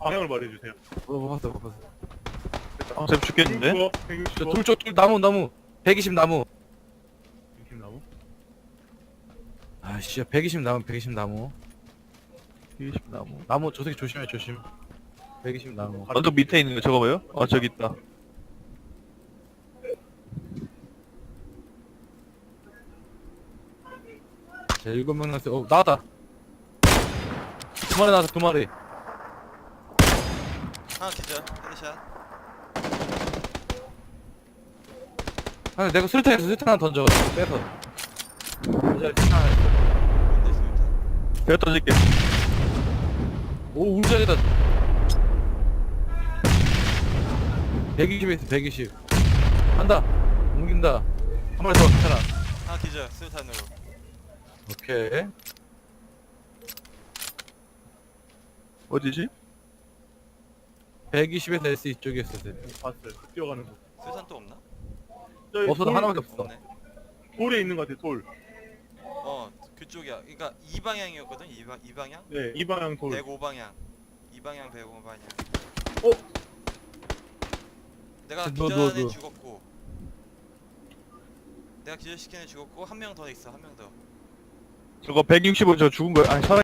방향을 말해주세요. 못 봤어, 못 봤어. 쌤 죽겠는데? 165. 둘 쪽, 나무. 120 나무. 120 나무. 아씨, 120 나무, 120 나무. 20 나무. 나무, 저 새끼 조심해, 조심. 120 나무. 언덕 밑에 있는 거 저거 뭐요? 저기 있다. 자, 7명 나왔어. 나왔다. 2마리 나왔어, 2마리. 하나 기절. 헤드샷. 아니, 내가 수류탄 하나 던져. 빼서. 수류탄 하나 있어. 뭔데 수류탄? 내가 던질게. 오, 울적이다. 120에 있어, 120. 간다. 옮긴다. 한 마리 더, 괜찮아. 하나 기절. 수류탄으로. 오케이. 어디지? 120에서 S 이쪽에 있었어. 봤어요. 뛰어가는 거. 수류탄 또 없나? 저기 없어도 돌, 하나밖에 없어. 없네. 돌에 있는 것 같아. 돌. 그쪽이야. 그러니까 이 방향이었거든. 이 방향? 네, 이 방향 돌. 105방향. 이 방향 105방향. 어? 내가 너, 기절한 애 너. 죽었고. 내가 기절시킨 애 죽었고 한 명 더 있어. 한 명 더. 저거 165 저 죽은 거야? 아니 살아